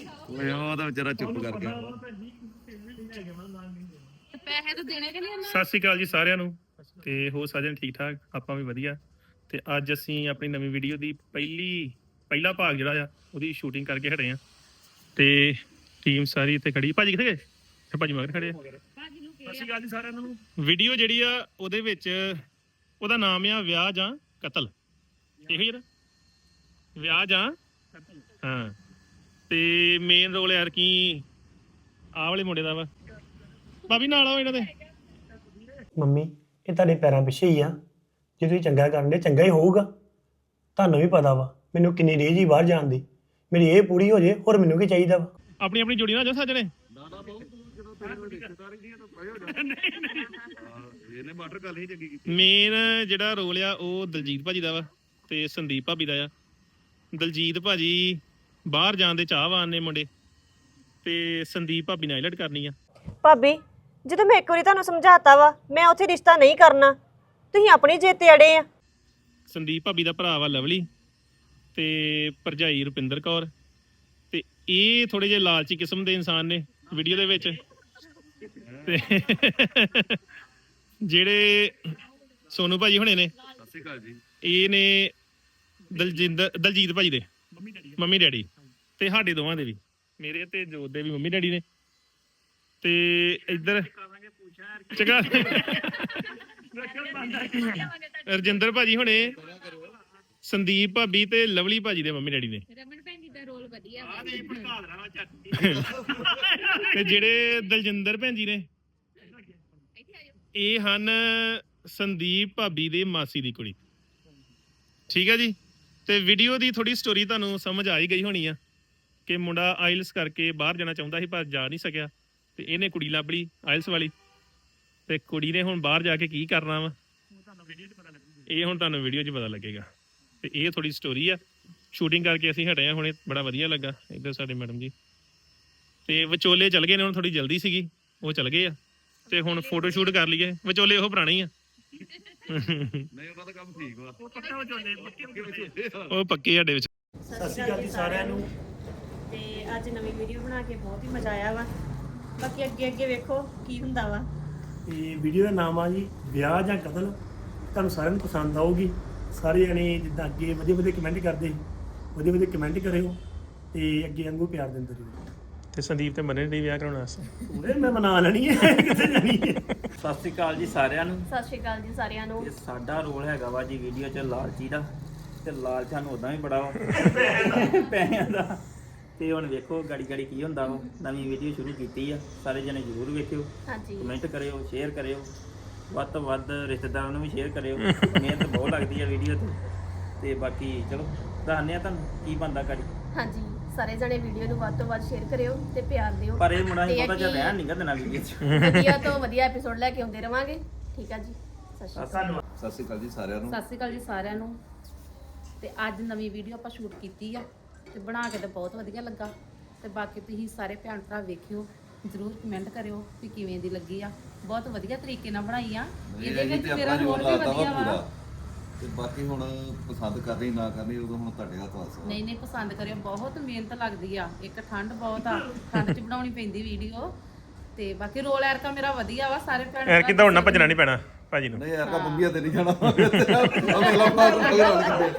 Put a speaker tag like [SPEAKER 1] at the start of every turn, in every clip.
[SPEAKER 1] ਓਏ ਉਹਦਾ ਵਿਚਾਰਾ ਚੁੱਪ ਕਰ ਗਿਆ।
[SPEAKER 2] ਪੈਸੇ ਤਾਂ ਦੇਣੇ ਕਿ ਨਹੀਂ ਉਹਨਾਂ
[SPEAKER 3] ਸਤਿ ਸ਼੍ਰੀ ਅਕਾਲ ਜੀ ਸਾਰਿਆਂ ਨੂੰ ਤੇ ਹੋ ਸਾਜਣ ਠੀਕ ਠਾਕ ਆਪਾਂ ਵੀ ਵਧੀਆ। ਤੇ ਅੱਜ ਅਸੀਂ ਆਪਣੀ ਨਵੀਂ ਵੀਡੀਓ ਦੀ ਪਹਿਲਾ ਭਾਗ ਜਿਹੜਾ ਆ ਉਹਦੀ ਸ਼ੂਟਿੰਗ ਕਰਕੇ ਹਟੇ ਆ ਤੇ ਟੀਮ ਸਾਰੀ ਇੱਥੇ ਖੜੀ। ਭਾਜੀ ਕਿੱਥੇ ਗਏ? ਭਾਜੀ ਮਗਰ ਖੜੇ ਆ। ਸਤਿ ਸ਼੍ਰੀ ਅਕਾਲ ਜੀ ਸਾਰਿਆਂ ਨੂੰ। ਵੀਡੀਓ ਜਿਹੜੀ ਆ ਉਹਦੇ ਵਿੱਚ ਉਹਦਾ ਨਾਮ ਆ ਵਿਆਹ ਜਾਂ ਕਤਲ। ਇਹੋ ਹੀ ਨਾ, ਵਿਆਹ ਜਾਂ ਹਾਂ। ਤੇ ਮੇਨ ਰੋਲ ਯਾਰ ਕੀ ਆਹ ਵਾਲੇ ਮੁੰਡੇ ਦਾ ਵਾ। ਭਾਬੀ ਨਾਲ ਆਓ ਇਹਨਾਂ ਦੇ।
[SPEAKER 4] ਮੰਮੀ ਇਹ ਤੁਹਾਡੇ ਪੈਰਾਂ ਪਿੱਛੇ ਹੀ ਆ। ਜੇ ਤੁਸੀਂ ਚੰਗਾ ਕਰਨ ਦੇ ਚੰਗਾ ਹੀ ਹੋਊਗਾ। ਤੁਹਾਨੂੰ ਵੀ ਪਤਾ ਵਾ ਮੈਨੂੰ ਕਿੰਨੀ ਰੇਜ ਹੀ ਬਾਹਰ ਜਾਣ ਦੀ। ਮੇਰੀ ਇਹ ਪੂਰੀ ਹੋ ਜੇ ਹੋਰ ਮੈਨੂੰ ਕੀ ਚਾਹੀਦਾ ਵਾ।
[SPEAKER 3] ਆਪਣੀ ਆਪਣੀ ਜੋੜੀ ਨਾਲ ਜਾ ਸੱਜਣੇ।
[SPEAKER 1] ਇਹਨੇ ਮਾਟਰ ਗੱਲ ਹੀ ਚੰਗੀ ਕੀਤੀ।
[SPEAKER 3] ਮੇਨ ਜਿਹੜਾ ਰੋਲ ਆ ਉਹ ਦਲਜੀਤ ਭਾਜੀ ਦਾ ਵਾ ਤੇ ਸੰਦੀਪ ਭਾਬੀ ਦਾ ਆ। ਦਲਜੀਤ ਭਾਜੀ ਬਾਹਰ ਜਾਣ ਦੇ ਚਾਹਵਾਨ ਨੇ ਮੁੰਡੇ ਤੇ ਸੰਦੀਪ ਭਾਬੀ ਨੇ ਆਈਲਟ ਕਰਨੀ ਆ।
[SPEAKER 5] ਭਾਬੀ ਜਦੋਂ ਮੈਂ ਇੱਕ ਵਾਰੀ ਤੁਹਾਨੂੰ ਸਮਝਾਤਾ ਵਾ ਮੈਂ ਉੱਥੇ ਰਿਸ਼ਤਾ ਨਹੀਂ ਕਰਨਾ, ਤੁਸੀਂ ਆਪਣੀ ਜਿੱਦ ਤੇ ਅੜੇ ਆ।
[SPEAKER 3] ਸੰਦੀਪ ਭਾਬੀ ਦਾ ਭਰਾ ਵਾ ਲਵਲੀ ਤੇ ਭਰਜਾਈ ਰੁਪਿੰਦਰ ਕੌਰ। ਤੇ ਇਹ ਥੋੜੇ ਜਿਹੇ ਲਾਲਚੀ ਕਿਸਮ ਦੇ ਇਨਸਾਨ ਨੇ ਵੀਡੀਓ ਦੇ ਵਿੱਚ। ਤੇ ਜਿਹੜੇ ਸੋਨੂ ਭਾਜੀ ਹੁਣੇ ਨੇ,
[SPEAKER 1] ਸਤਿ ਸ਼੍ਰੀ ਅਕਾਲ ਜੀ।
[SPEAKER 3] ਇਹ ਨੇ ਦਲਜੀਤ ਭਾਜੀ ਦੇ ਮੰਮੀ ਡੈਡੀ ਤੇ ਸਾਡੇ ਦੋਵਾਂ ਦੇ ਵੀ, ਮੇਰੇ ਤੇ ਜੋਤ ਦੇ ਵੀ ਮੰਮੀ ਡੈਡੀ ਨੇ। ਤੇ ਇੱਧਰ ਚੰਗਾ ਰਜਿੰਦਰ ਭਾਜੀ ਹੁਣੇ, ਸੰਦੀਪ ਭਾਬੀ ਤੇ ਲਵਲੀ ਭਾਜੀ ਦੇ ਮੰਮੀ ਡੈਡੀ ਨੇ।
[SPEAKER 2] ਰਮਨ ਭੈਣ ਜੀ ਦਾ ਰੋਲ ਵਧੀਆ ਵਾ।
[SPEAKER 3] ਤੇ ਜਿਹੜੇ ਦਲਜਿੰਦਰ ਭੈਣ ਜੀ ਨੇ ਇਹ ਹਨ ਸੰਦੀਪ ਭਾਬੀ ਦੇ ਮਾਸੀ ਦੀ ਕੁੜੀ। ਠੀਕ ਹੈ ਜੀ। ਤੇ ਵੀਡੀਓ ਦੀ ਥੋੜੀ ਸਟੋਰੀ ਤੁਹਾਨੂੰ ਸਮਝ ਆ ਹੀ ਗਈ ਹੋਣੀ ਆ ਕਿ ਮੁੰਡਾ ਆਇਲਸ ਕਰਕੇ ਬਾਹਰ ਜਾਣਾ ਚਾਹੁੰਦਾ ਸੀ ਪਰ ਜਾ ਨਹੀਂ ਸਕਿਆ ਤੇ ਇਹਨੇ ਕੁੜੀ ਲੱਭ ਲਈ ਆਇਲਸ ਵਾਲੀ। ਤੇ ਕੁੜੀ ਨੇ ਹੁਣ ਬਾਹਰ ਜਾ ਕੇ ਕੀ ਕਰਨਾ ਵਾ ਇਹ ਹੁਣ ਤੁਹਾਨੂੰ ਵੀਡੀਓ 'ਚ ਪਤਾ ਲੱਗੇਗਾ। ਤੇ ਇਹ ਥੋੜੀ ਸਟੋਰੀ ਆ। ਸ਼ੂਟਿੰਗ ਕਰਕੇ ਅਸੀਂ ਹਟੇ ਆ ਹੁਣੇ, ਬੜਾ ਵਧੀਆ ਲੱਗਾ। ਇੱਧਰ ਸਾਡੇ ਮੈਡਮ ਜੀ ਤੇ ਵਿਚੋਲੇ ਚਲ ਗਏ ਨੇ, ਹੁਣ ਥੋੜੀ ਜਲਦੀ ਸੀਗੀ ਉਹ ਚਲ ਗਏ ਆ। ਤੇ ਹੁਣ ਫੋਟੋ ਸ਼ੂਟ ਕਰ ਲਈਏ। ਵਿਚੋਲੇ ਉਹ ਪੁਰਾਣੇ ਹੀ ਆ।
[SPEAKER 1] ਨਹੀਂ ਉਹਨਾਂ ਦਾ ਕੰਮ ਠੀਕ ਵਾ।
[SPEAKER 3] ਉਹ ਪੱਕੇ ਸਾਡੇ ਵਿੱਚ।
[SPEAKER 4] ਸਤਿ ਸ਼੍ਰੀ ਅਕਾਲ ਜੀ ਸਾਰਿਆਂ ਨੂੰ।
[SPEAKER 5] ਤੇ ਅੱਜ ਨਵੀਂ ਵੀਡੀਓ ਬਣਾ ਕੇ ਬਹੁਤ ਹੀ ਮਜ਼ਾ ਆਇਆ ਵਾ। ਬਾਕੀ ਅੱਗੇ ਵੇਖੋ ਕੀ ਹੁੰਦਾ ਵਾ।
[SPEAKER 4] ਤੇ ਵੀਡੀਓ ਦਾ ਨਾਮ ਆ ਜੀ ਵਿਆਹ ਜਾਂ ਕਤਲ। ਤੁਹਾਨੂੰ ਸਾਰਿਆਂ ਨੂੰ ਪਸੰਦ ਆਊਗੀ। ਸਾਰੇ ਜਣੇ ਜਿੱਦਾਂ ਅੱਗੇ ਵਧੀਆ ਵਧੀਆ ਕਮੈਂਟ ਕਰਦੇ ਸੀ, ਵਧੀਆ ਵਧੀਆ ਕਮੈਂਟ ਕਰਿਓ ਤੇ ਅੱਗੇ ਵਾਂਗੂ ਪਿਆਰ ਦਿੰਦੇ ਰਹੋ।
[SPEAKER 3] ਤੇ ਸੰਦੀਪ ਤੇ ਮੰਨੇ ਨਹੀਂ ਵਿਆਹ ਕਰਾਉਣਾ ਵਾਸਤੇ।
[SPEAKER 4] ਉਹਦੇ ਮੈਂ ਮਨਾ ਲੈਣੀ ਹੈ ਕਿੱਥੇ ਜਾਣੀ ਹੈ।
[SPEAKER 6] ਸਤਿ ਸ਼੍ਰੀ ਅਕਾਲ ਜੀ ਸਾਰਿਆਂ ਨੂੰ।
[SPEAKER 5] ਸਤਿ ਸ਼੍ਰੀ ਅਕਾਲ ਜੀ ਸਾਰਿਆਂ ਨੂੰ।
[SPEAKER 6] ਇਹ ਸਾਡਾ ਰੋਲ ਹੈਗਾ ਵਾ ਜੀ ਵੀਡੀਓ 'ਚ ਲਾਲਚੀ ਦਾ। ਤੇ ਲਾਲਚ ਸਾਨੂੰ ਉਦਾਂ ਵੀ ਬੜਾ ਵਾ ਪੈਸਿਆਂ ਦਾ। ਤੇ ਹੁਣ ਵੇਖੋ ਗਾੜੀ ਗਾੜੀ ਕੀ ਹੁੰਦਾ ਵਾ। ਨਵੀਂ ਵੀਡੀਓ ਸ਼ੁਰੂ ਕੀਤੀ ਆ, ਸਾਰੇ ਜਣੇ ਜ਼ਰੂਰ ਵੇਖਿਓ,
[SPEAKER 5] ਹਾਂਜੀ
[SPEAKER 6] ਕਮੈਂਟ ਕਰਿਓ, ਸ਼ੇਅਰ ਕਰਿਓ, ਵੱਧ ਤੋਂ ਵੱਧ ਰਿਸ਼ਤੇਦਾਰਾਂ ਨੂੰ ਵੀ ਸ਼ੇਅਰ ਕਰਿਓ। ਮਿਹਨਤ ਬਹੁਤ ਲੱਗਦੀ ਆ ਵੀਡੀਓ ਤੇ ਬਾਕੀ ਚਲੋ ਦੱਸਦੇ ਆ ਤੁਹਾਨੂੰ ਕੀ ਬਣਦਾ ਗਾੜੀ।
[SPEAKER 5] ਹਾਂਜੀ ਸਾਰੇ ਜਣੇ ਵੀਡੀਓ ਨੂੰ ਵੱਧ ਤੋਂ ਵੱਧ ਸ਼ੇਅਰ ਕਰਿਓ ਤੇ ਪਿਆਰ ਦਿਓ।
[SPEAKER 6] ਪਰ ਇਹ ਮੁੰਡਾ ਹੀ ਬਹੁਤਾ ਜਿਹਾ ਰਹਿਣ ਨਹੀਂ ਗਾ ਦੇਣਾ ਵੀਡੀਓ 'ਚ।
[SPEAKER 5] ਵਧੀਆ ਤੋਂ ਵਧੀਆ ਐਪੀਸੋਡ ਲੈ ਕੇ ਆਉਂਦੇ ਰਵਾਂਗੇ। ਠੀਕ ਆ ਜੀ, ਸਤਿ ਸ਼੍ਰੀ ਅਕਾਲ।
[SPEAKER 1] ਸਤਿ ਸ਼੍ਰੀ ਅਕਾਲ ਜੀ ਸਾਰਿਆਂ ਨੂੰ।
[SPEAKER 2] ਸਤਿ ਸ਼੍ਰੀ ਅਕਾਲ ਜੀ ਸਾਰਿਆਂ ਨੂੰ। ਤੇ ਅੱਜ ਨਵੀਂ ਵੀਡੀਓ ਆਪਾਂ ਸ਼ੂਟ ਕੀਤੀ ਆ ਤੇ ਬਣਾ ਕੇ ਤਾਂ ਬਹੁਤ ਵਧੀਆ ਲੱਗਾ। ਤੇ ਬਾਕੀ ਤੁਸੀਂ ਸਾਰੇ ਭੈਣ ਭਰਾ ਵੇਖਿਓ, ਜ਼ਰੂਰ ਕਮੈਂਟ ਕਰਿਓ ਕਿ ਕਿਵੇਂ ਦੀ ਲੱਗੀ ਆ। ਬਹੁਤ ਵਧੀਆ ਤਰੀਕੇ ਨਾਲ ਬਣਾਈ ਆ। ਇਹਦੇ ਵਿੱਚ ਮੇਰਾ ਰੋਲ ਵੀ ਵਧੀਆ ਵਾ।
[SPEAKER 1] ਤੇ ਬਾਕੀ ਹੁਣ ਪਸੰਦ ਕਰਨੀ ਨਾ ਕਰਨੀ ਉਦੋਂ ਹੁਣ ਤੁਹਾਡੇ ਹੱਥ ਵਾਸ।
[SPEAKER 2] ਨਹੀਂ ਪਸੰਦ ਕਰਿਓ, ਬਹੁਤ ਮਿਹਨਤ ਲੱਗਦੀ ਆ। ਇੱਕ ਠੰਡ ਬਹੁਤ ਆ, ਠੰਡ 'ਚ ਬਣਾਉਣੀ ਪੈਂਦੀ ਵੀਡੀਓ। ਤੇ ਬਾਕੀ ਰੋਲ ਐਰਕਾ ਮੇਰਾ ਵਧੀਆ ਵਾ। ਸਾਰੇ ਭੈਣ
[SPEAKER 3] ਐਰ ਕਿਦਾਂ ਹੁਣ ਨਾ ਭੱਜਣਾ ਨਹੀਂ ਪੈਣਾ ਭਾਜੀ ਨੂੰ।
[SPEAKER 1] ਨਹੀਂ ਯਾਰ ਕਾ ਬੰਬੀਆਂ ਤੇ ਨਹੀਂ ਜਾਣਾ। ਅਗਲਾ ਬਾਹਰ ਨਿਕਲ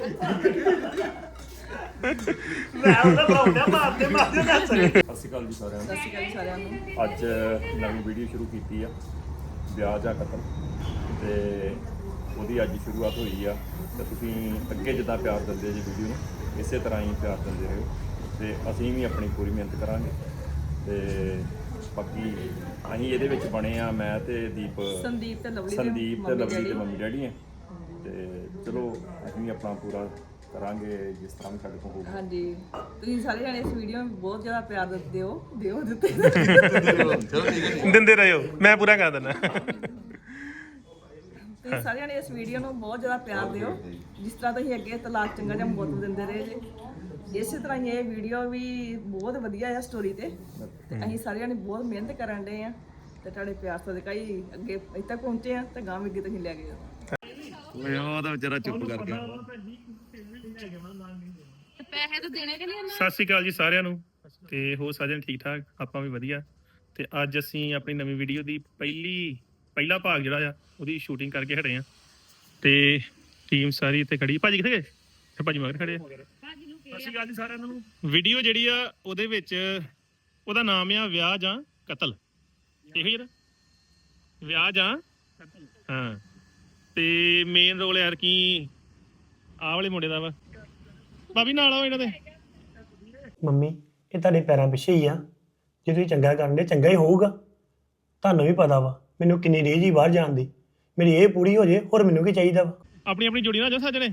[SPEAKER 4] ਮੈਂ ਉਹਦਾ ਬਣਾਉਂਦਾ ਮਾਰਦੇ ਦੱਸ।
[SPEAKER 7] ਸਤਿ ਸ਼੍ਰੀ ਅਕਾਲ ਜੀ ਸਾਰਿਆਂ ਨੂੰ। ਅੱਜ ਨਵੀਂ ਵੀਡੀਓ ਸ਼ੁਰੂ ਕੀਤੀ ਆ ਵਿਆਹ ਜਾਂ ਕਤਲ ਤੇ ਉਹਦੀ ਅੱਜ ਸ਼ੁਰੂਆਤ ਹੋਈ ਆ। ਤੇ ਤੁਸੀਂ ਅੱਗੇ ਜਿੱਦਾਂ ਪਿਆਰ ਦਿੰਦੇ ਜੀ ਵੀਡੀਓ ਨੂੰ ਇਸੇ ਤਰ੍ਹਾਂ ਹੀ ਪਿਆਰ ਦਿੰਦੇ ਰਹੋ ਤੇ ਅਸੀਂ ਵੀ ਆਪਣੀ ਪੂਰੀ ਮਿਹਨਤ ਕਰਾਂਗੇ। ਤੇ ਬਾਕੀ ਅਸੀਂ ਇਹਦੇ ਵਿੱਚ ਬਣੇ ਆ ਮੈਂ ਤੇ ਸੰਦੀਪ ਤੇ ਲਵਲੀ ਦੇ ਮੰਮੀ ਡੈਡੀ ਆ। ਤੇ ਚਲੋ ਅਸੀਂ ਵੀ ਆਪਣਾ ਪੂਰਾ ਕਰਾਂਗੇ ਜਿਸ ਤਰ੍ਹਾਂ ਵੀ ਸਾਡੇ ਕੋਲ ਹੋਊਗਾ।
[SPEAKER 8] ਹਾਂਜੀ ਤੁਸੀਂ ਸਾਰੇ ਜਣੇ ਇਸ ਵੀਡੀਓ ਨੂੰ ਬਹੁਤ ਜ਼ਿਆਦਾ ਪਿਆਰ ਦਿੱਤੇ ਹੋ ਦਿੱਤੇ
[SPEAKER 3] ਦਿੰਦੇ ਰਹੋ, ਮੈਂ ਪੂਰਾ ਕਰ ਦਿੰਦਾ।
[SPEAKER 8] ਤੁਸੀਂ ਸਾਰੇ ਜਣੇ ਇਸ ਵੀਡੀਓ ਨੂੰ ਬਹੁਤ ਜ਼ਿਆਦਾ ਪਿਆਰ ਦਿਓ। ਜਿਸ ਤਰ੍ਹਾਂ ਤੁਸੀਂ ਅੱਗੇ ਤਲਾਕ ਚੰਗਾ ਜਾਂ ਮੌਤ ਦਿੰਦੇ ਰਹੇ ਜੇ, ਇਸੇ ਤਰ੍ਹਾਂ ਹੀ ਇਹ ਵੀਡੀਓ ਵੀ ਬਹੁਤ ਵਧੀਆ ਆ ਸਟੋਰੀ ਤੇ ਅਸੀਂ ਸਾਰੇ ਜਣੇ ਬਹੁਤ ਮਿਹਨਤ ਕਰਨ ਡਏ ਆ ਤੇ ਤੁਹਾਡੇ ਪਿਆਰ ਸਦਕਾ ਹੀ ਅੱਗੇ ਇੱਥੇ ਤੱਕ ਪਹੁੰਚੇ ਆ ਤੇ ਗਾਂ ਵੀ ਅੱਗੇ ਤੁਸੀਂ ਲੈ ਕੇ ਜਾਓ।
[SPEAKER 1] ਓਏ ਉਹਦਾ ਵਿਚਾਰਾ ਚੁੱਪ ਕਰ ਗਿਆ।
[SPEAKER 2] ਪੈਸੇ ਤਾਂ ਦੇਣੇ ਕਿ ਨਹੀਂ ਉਹਨਾਂ
[SPEAKER 3] ਸਤਿ ਸ਼੍ਰੀ ਅਕਾਲ ਜੀ ਸਾਰਿਆਂ ਨੂੰ। ਤੇ ਹੋ ਸਾਜਣ ਠੀਕ ਠਾਕ, ਆਪਾਂ ਵੀ ਵਧੀਆ। ਤੇ ਅੱਜ ਅਸੀਂ ਆਪਣੀ ਨਵੀਂ ਵੀਡੀਓ ਦੀ ਪਹਿਲਾ ਭਾਗ ਜਿਹੜਾ ਆ ਉਹਦੀ ਸ਼ੂਟਿੰਗ ਕਰਕੇ ਹਟੇ ਆ ਤੇ ਟੀਮ ਸਾਰੀ ਇੱਥੇ ਖੜੀ। ਭਾਜੀ ਕਿੱਥੇ ਗਏ? ਭਾਜੀ ਮਗਰ ਖੜੇ ਆ। ਸਤਿ ਸ਼੍ਰੀ ਅਕਾਲ ਜੀ ਸਾਰਿਆਂ ਨੂੰ। ਵੀਡੀਓ ਜਿਹੜੀ ਆ ਉਹਦੇ ਵਿੱਚ ਉਹਦਾ ਨਾਮ ਆ ਵਿਆਹ ਜਾਂ ਕਤਲ, ਇਹੋ ਹੀ ਵਿਆਹ ਜਾਂ ਹਾਂ। ਤੇ ਮੇਨ ਰੋਲ ਯਾਰ ਕੀ ਆਹ ਵਾਲੇ ਮੁੰਡੇ ਦਾ ਵਾ। ਭਾਬੀ ਨਾਲ ਆਓ ਇਹਨਾਂ ਦੇ।
[SPEAKER 4] ਮੰਮੀ ਇਹ ਤੁਹਾਡੇ ਪੈਰਾਂ ਪਿੱਛੇ ਹੀ ਆ, ਜੇ ਤੁਸੀਂ ਚੰਗਾ ਕਰਨਦੇ ਚੰਗਾ ਹੀ ਹੋਊਗਾ। ਤੁਹਾਨੂੰ ਵੀ ਪਤਾ ਵਾ ਮੈਨੂੰ ਕਿੰਨੀ ਰੀਝ ਹੀ ਬਾਹਰ ਜਾਣ ਦੀ, ਮੇਰੀ ਇਹ ਪੂਰੀ ਹੋ ਜੇ ਹੋਰ ਮੈਨੂੰ ਕੀ ਚਾਹੀਦਾ ਵਾ।
[SPEAKER 3] ਆਪਣੀ ਆਪਣੀ ਜੋੜੀ ਨਾ ਜਾ ਸੱਜਣੇ।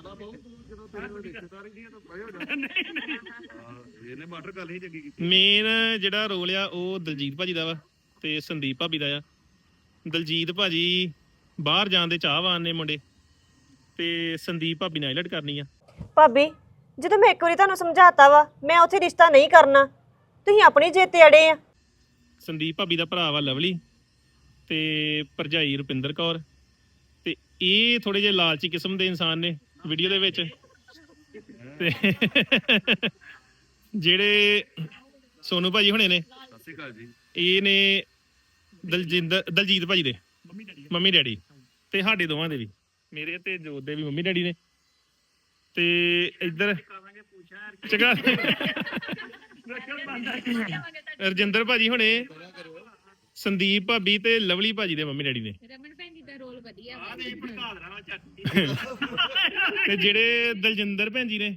[SPEAKER 3] ਮੇਨ ਜਿਹੜਾ ਰੋਲ ਆ ਉਹ ਦਲਜੀਤ ਭਾਜੀ ਦਾ ਵਾ ਤੇ ਸੰਦੀਪ ਭਾਬੀ ਦਾ ਆ। ਦਲਜੀਤ ਭਾਜੀ ਬਾਹਰ ਜਾਣ ਦੇ ਚਾਹਵਾਨ ਨੇ ਮੁੰਡੇ, ਤੇ ਸੰਦੀਪ ਭਾਬੀ ਨੇ ਆਈਲਟ ਕਰਨੀ ਆ।
[SPEAKER 5] ਭਾਬੀ ਜਦੋਂ ਮੈਂ ਇੱਕ ਵਾਰੀ ਤੁਹਾਨੂੰ ਸਮਝਾਤਾ ਵਾ ਮੈਂ ਉੱਥੇ ਰਿਸ਼ਤਾ ਨਹੀਂ ਕਰਨਾ, ਤੁਸੀਂ ਆਪਣੀ ਜਿੱਦ ਤੇ ਅੜੇ ਆ।
[SPEAKER 3] ਸੰਦੀਪ ਭਾਬੀ ਦਾ ਭਰਾ ਵਾ ਲਵਲੀ ਤੇ ਭਰਜਾਈ ਰੁਪਿੰਦਰ ਕੌਰ, ਤੇ ਇਹ ਥੋੜੇ ਜਿਹੇ ਲਾਲਚੀ ਕਿਸਮ ਦੇ ਇਨਸਾਨ ਨੇ ਵੀਡੀਓ ਦੇ ਵਿੱਚ। ਤੇ ਜਿਹੜੇ ਸੋਨੂ ਭਾਜੀ ਹੁਣੇ ਨੇ,
[SPEAKER 1] ਸਤਿ ਸ਼੍ਰੀ ਅਕਾਲ ਜੀ,
[SPEAKER 3] ਇਹ ਨੇ ਦਲਜੀਤ ਭਾਜੀ ਦੇ ਮੰਮੀ ਡੈਡੀ, ਤੇ ਸਾਡੇ ਦੋਵਾਂ ਦੇ ਵੀ, ਮੇਰੇ ਤੇ ਜੋਤ ਦੇ ਵੀ ਮੰਮੀ ਡੈਡੀ ਨੇ। ਤੇ ਇੱਧਰ ਚੰਗਾ ਰਜਿੰਦਰ ਭਾਜੀ ਹੁਣੇ, ਸੰਦੀਪ ਭਾਬੀ ਤੇ ਲਵਲੀ ਭਾਜੀ ਦੇ ਮੰਮੀ ਡੈਡੀ ਨੇ।
[SPEAKER 2] ਰਮਨ ਭੈਣ ਜੀ ਦਾ ਰੋਲ ਵਧੀਆ
[SPEAKER 3] ਤੇ ਜਿਹੜੇ ਦਲਜਿੰਦਰ ਭੈਣ ਜੀ ਨੇ,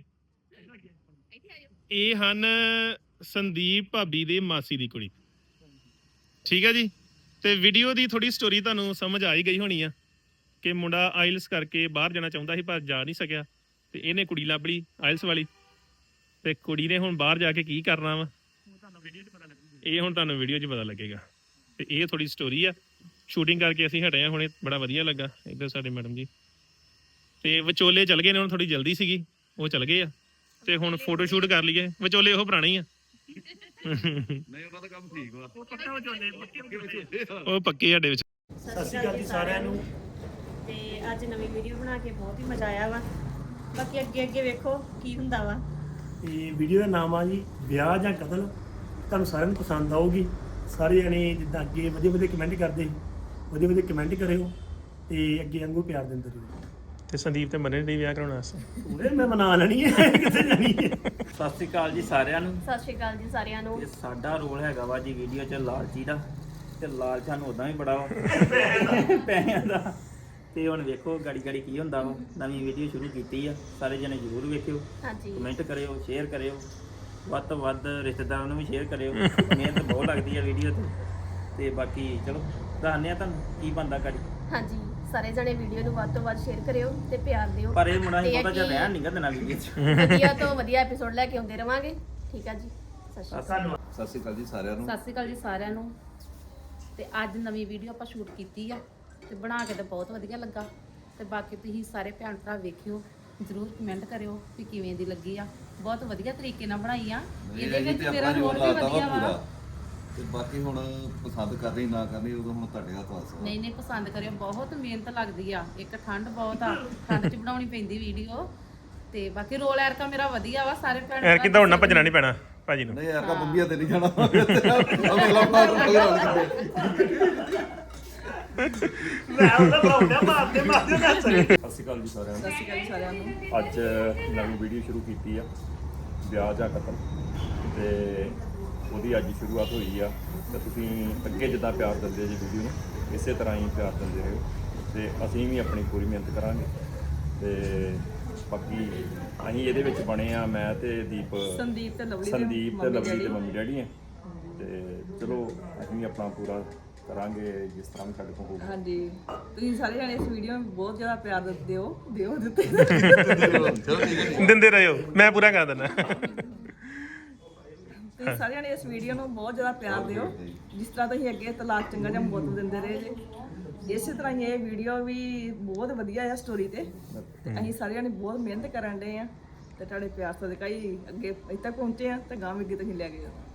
[SPEAKER 3] ਇਹ ਹਨ ਸੰਦੀਪ ਭਾਬੀ ਦੇ ਮਾਸੀ ਦੀ ਕੁੜੀ। ਠੀਕ ਹੈ ਜੀ। ਤੇ ਵੀਡੀਓ ਦੀ ਥੋੜੀ ਸਟੋਰੀ ਤੁਹਾਨੂੰ ਸਮਝ ਆ ਹੀ ਗਈ ਹੋਣੀ ਆ ਕਿ ਮੁੰਡਾ ਆਇਲਸ ਕਰਕੇ ਬਾਹਰ ਜਾਣਾ ਚਾਹੁੰਦਾ ਸੀ ਪਰ ਜਾ ਨਹੀਂ ਸਕਿਆ, ਤੇ ਇਹਨੇ ਕੁੜੀ ਲੱਭ ਲਈ ਆਇਲਸ ਵਾਲੀ, ਤੇ ਕੁੜੀ ਨੇ ਹੁਣ ਬਾਹਰ ਜਾ ਕੇ ਕੀ ਕਰਨਾ ਵਾ ਇਹ ਹੁਣ ਤੁਹਾਨੂੰ ਵੀਡੀਓ 'ਚ ਪਤਾ ਲੱਗੇਗਾ। ਤੇ ਇਹ ਥੋੜੀ ਸਟੋਰੀ ਆ। ਸ਼ੂਟਿੰਗ ਕਰਕੇ ਅਸੀਂ ਹਟੇ ਆ ਹੁਣੇ, ਬੜਾ ਵਧੀਆ ਲੱਗਾ। ਇੱਧਰ ਸਾਡੇ ਮੈਡਮ ਜੀ ਤੇ ਵਿਚੋਲੇ ਚਲ ਗਏ ਨੇ, ਹੁਣ ਥੋੜੀ ਜਲਦੀ ਸੀਗੀ ਉਹ ਚਲ ਗਏ ਆ, ਤੇ ਹੁਣ ਫੋਟੋ ਸ਼ੂਟ ਕਰ ਲਈਏ। ਵਿਚੋਲੇ ਉਹ ਪੁਰਾਣੇ ਹੀ ਆ।
[SPEAKER 1] ਨਹੀਂ ਉਹਨਾਂ ਦਾ ਕੰਮ ਠੀਕ ਵਾ,
[SPEAKER 3] ਉਹ ਪੱਕੇ ਸਾਡੇ ਵਿੱਚ।
[SPEAKER 4] ਸਤਿ ਸ਼੍ਰੀ ਅਕਾਲ ਜੀ ਸਾਰਿਆਂ ਨੂੰ।
[SPEAKER 5] ਤੇ ਅੱਜ ਨਵੀਂ ਵੀਡੀਓ ਬਣਾ ਕੇ ਬਹੁਤ ਹੀ ਮਜ਼ਾ ਆਇਆ ਵਾ, ਬਾਕੀ ਅੱਗੇ ਵੇਖੋ ਕੀ ਹੁੰਦਾ ਵਾ।
[SPEAKER 4] ਤੇ ਵੀਡੀਓ ਦਾ ਨਾਮ ਆ ਜੀ ਵਿਆਹ ਜਾਂ ਕਤਲ। ਤੁਹਾਨੂੰ ਸਾਰਿਆਂ ਨੂੰ ਪਸੰਦ ਆਊਗੀ। ਸਾਰੇ ਜਣੇ ਜਿੱਦਾਂ ਅੱਗੇ ਵਧੀਆ ਕਮੈਂਟ ਕਰਦੇ ਸੀ, ਵਧੀਆ ਕਮੈਂਟ ਕਰਿਓ ਤੇ ਅੱਗੇ ਵਾਂਗੂ ਪਿਆਰ ਦਿੰਦੇ ਰਹੋ।
[SPEAKER 3] ਤੇ ਸੰਦੀਪ ਤੇ ਮੰਨੇ ਨਹੀਂ ਵਿਆਹ ਕਰਾਉਣਾ ਸੀ।
[SPEAKER 4] ਉਹਨੇ ਮੈਂ ਮਨਾ ਲੈਣੀ ਹੈ, ਕਿੱਥੇ ਜਾਣੀ ਹੈ।
[SPEAKER 6] ਸਤਿ ਸ਼੍ਰੀ ਅਕਾਲ ਜੀ ਸਾਰਿਆਂ ਨੂੰ।
[SPEAKER 5] ਸਤਿ ਸ਼੍ਰੀ ਅਕਾਲ ਜੀ ਸਾਰਿਆਂ ਨੂੰ।
[SPEAKER 6] ਇਹ ਸਾਡਾ ਰੋਲ ਹੈਗਾ ਵਾ ਜੀ ਵੀਡੀਓ 'ਚ ਲਾਲਚੀ ਦਾ, ਤੇ ਲਾਲਚ ਸਾਨੂੰ ਉਦਾਂ ਵੀ ਬੜਾ ਵਾ ਪੈਸਿਆਂ ਦਾ। ਤੇ ਹੁਣ ਵੇਖੋ ਗਾੜੀ ਕੀ ਹੁੰਦਾ ਵਾ। ਨਵੀਂ ਵੀਡੀਓ ਸ਼ੁਰੂ ਕੀਤੀ ਆ, ਸਾਰੇ ਜਣੇ ਜ਼ਰੂਰ ਵੇਖਿਓ,
[SPEAKER 5] ਹਾਂਜੀ
[SPEAKER 6] ਕਮੈਂਟ ਕਰਿਓ, ਸ਼ੇਅਰ ਕਰਿਓ, ਵੱਧ ਤੋਂ ਵੱਧ ਰਿਸ਼ਤੇਦਾਰਾਂ ਨੂੰ ਵੀ ਸ਼ੇਅਰ ਕਰਿਓ। ਮਿਹਨਤ ਬਹੁਤ ਲੱਗਦੀ ਆ ਵੀਡੀਓ ਤੇ ਬਾਕੀ ਚਲੋ ਦੱਸਦੇ ਆ ਤੁਹਾਨੂੰ ਕੀ ਬਣਦਾ ਗਾੜੀ।
[SPEAKER 5] ਹਾਂਜੀ ਸਾਰੇ ਜਣੇ ਵੀਡੀਓ ਨੂੰ ਵੱਧ ਤੋਂ ਵੱਧ ਸ਼ੇਅਰ ਕਰਿਓ ਤੇ ਪਿਆਰ ਦਿਓ।
[SPEAKER 6] ਪਰ ਇਹ ਮੁੰਡਾ ਹੀ ਬਹੁਤਾ ਜਿਹਾ ਰਹਿਣ ਨਹੀਂ ਗਾ ਦੇਣਾ ਵੀਡੀਓ 'ਚ।
[SPEAKER 5] ਵਧੀਆ ਤੋਂ ਵਧੀਆ ਐਪੀਸੋਡ ਲੈ ਕੇ ਆਉਂਦੇ ਰਵਾਂਗੇ। ਠੀਕ ਆ ਜੀ, ਸਤਿ ਸ਼੍ਰੀ ਅਕਾਲ।
[SPEAKER 1] ਸਤਿ ਸ਼੍ਰੀ ਅਕਾਲ ਜੀ ਸਾਰਿਆਂ ਨੂੰ।
[SPEAKER 2] ਸਤਿ ਸ਼੍ਰੀ ਅਕਾਲ ਜੀ ਸਾਰਿਆਂ ਨੂੰ। ਤੇ ਅੱਜ ਨਵੀਂ ਵੀਡੀਓ ਆਪਾਂ ਸ਼ੂਟ ਕੀਤੀ ਆ ਤੇ ਬਣਾ ਕੇ ਤਾਂ ਬਹੁਤ ਵਧੀਆ ਲੱਗਾ। ਤੇ ਬਾਕੀ ਤੁਸੀਂ ਸਾਰੇ ਭੈਣ ਭਰਾ ਵੇਖਿਓ, ਜ਼ਰੂਰ ਕਮੈਂਟ ਕਰਿਓ ਕਿ ਕਿਵੇਂ ਦੀ ਲੱਗੀ ਆ। ਬਹੁਤ ਵਧੀਆ ਤਰੀਕੇ ਨਾਲ ਬਣਾਈ ਆ। ਇਹਦੇ ਵਿੱਚ ਮੇਰਾ ਰੋਲ ਵੀ ਵਧੀਆ ਵਾ।
[SPEAKER 1] ਤੇ ਬਾਕੀ ਹੁਣ ਪਸੰਦ ਕਰਨੀ ਨਾ ਕਰਨੀ ਉਦੋਂ ਹੁਣ ਤੁਹਾਡੇ ਹੱਥ ਵਾਸ ਵਾ।
[SPEAKER 2] ਨਹੀਂ ਪਸੰਦ ਕਰਿਓ, ਬਹੁਤ ਮਿਹਨਤ ਲੱਗਦੀ ਆ। ਇੱਕ ਠੰਡ ਬਹੁਤ ਆ, ਠੰਡ 'ਚ ਬਣਾਉਣੀ ਪੈਂਦੀ ਵੀਡੀਓ। ਤੇ ਬਾਕੀ ਰੋਲ ਐਰਕਾ ਮੇਰਾ ਵਧੀਆ ਵਾ। ਸਾਰੇ ਭੈਣ
[SPEAKER 3] ਯਾਰ ਕਿਦਾਂ ਹੁਣ ਭੱਜਣਾ ਨਹੀਂ ਪੈਣਾ ਭਾਜੀ ਨੂੰ।
[SPEAKER 1] ਨਹੀਂ ਯਾਰ ਕਾ ਬੰਬੀਆਂ ਤੇ ਨਹੀਂ ਜਾਣਾ। ਅਗਲਾ ਬਣਾ
[SPEAKER 4] ਮੈਂ ਉਹਦਾ ਬਣਾਉਂਦਾ ਮਾਰਦੇ ਨਾ ਸਹੀ।
[SPEAKER 7] ਸਤਿ ਸ਼੍ਰੀ ਅਕਾਲ ਜੀ ਸਾਰਿਆਂ ਨੂੰ।
[SPEAKER 8] ਸਤਿ ਸ਼੍ਰੀ ਅਕਾਲ ਜੀ ਸਾਰਿਆਂ ਨੂੰ।
[SPEAKER 7] ਅੱਜ ਨਵੀਂ ਵੀਡੀਓ ਸ਼ੁਰੂ ਕੀਤੀ ਆ ਵਿਆਹ ਜਾਂ ਕਤਲ, ਤੇ ਉਹਦੀ ਅੱਜ ਸ਼ੁਰੂਆਤ ਹੋਈ ਆ। ਤੇ ਤੁਸੀਂ ਅੱਗੇ ਜਿੱਦਾਂ ਪਿਆਰ ਦਿੰਦੇ ਜੀ ਵੀਡੀਓ ਨੂੰ, ਇਸੇ ਤਰ੍ਹਾਂ ਹੀ ਪਿਆਰ ਦਿੰਦੇ ਰਹੋ, ਤੇ ਅਸੀਂ ਵੀ ਆਪਣੀ ਪੂਰੀ ਮਿਹਨਤ ਕਰਾਂਗੇ। ਤੇ ਬਾਕੀ ਅਸੀਂ ਇਹਦੇ ਵਿੱਚ ਬਣੇ ਆ, ਮੈਂ ਤੇ
[SPEAKER 8] ਸੰਦੀਪ ਤੇ ਲਵਲੀ
[SPEAKER 7] ਦੇ ਮੰਮੀ ਡੈਡੀ ਆ। ਤੇ ਚਲੋ ਅਸੀਂ ਵੀ ਆਪਣਾ ਪੂਰਾ ਕਰਾਂਗੇ ਜਿਸ ਤਰ੍ਹਾਂ ਵੀ ਸਾਡੇ ਕੋਲ ਹੋਊਗਾ।
[SPEAKER 8] ਹਾਂਜੀ ਤੁਸੀਂ ਸਾਰੇ ਜਣੇ ਇਸ ਵੀਡੀਓ ਨੂੰ ਬਹੁਤ ਜ਼ਿਆਦਾ ਪਿਆਰ ਦਿੱਤੇ
[SPEAKER 3] ਦਿੰਦੇ ਰਹੋ, ਮੈਂ ਪੂਰਾ ਕਰ ਦਿੰਦਾ।
[SPEAKER 8] ਤੁਸੀਂ ਸਾਰੇ ਜਣੇ ਇਸ ਵੀਡੀਓ ਨੂੰ ਬਹੁਤ ਜ਼ਿਆਦਾ ਪਿਆਰ ਦਿਓ, ਜਿਸ ਤਰ੍ਹਾਂ ਤੁਸੀਂ ਅੱਗੇ ਤਲਾਕ ਚੰਗਾ ਜਾਂ ਮੌਤ ਦਿੰਦੇ ਰਹੇ ਜੇ। ਇਸੇ ਤਰ੍ਹਾਂ ਹੀ ਇਹ ਵੀਡੀਓ ਵੀ ਬਹੁਤ ਵਧੀਆ ਆ ਸਟੋਰੀ ਤੇ ਅਸੀਂ ਸਾਰੇ ਜਣੇ ਬਹੁਤ ਮਿਹਨਤ ਕਰਨ ਡਏ ਆ, ਤੇ ਤੁਹਾਡੇ ਪਿਆਰ ਸਦਕਾ ਹੀ ਅੱਗੇ ਇੱਥੇ ਤੱਕ ਪਹੁੰਚੇ ਆ, ਤੇ ਗਾਂਹ ਵੀ ਅੱਗੇ ਤੁਸੀਂ ਲੈ ਕੇ ਜਾਓ।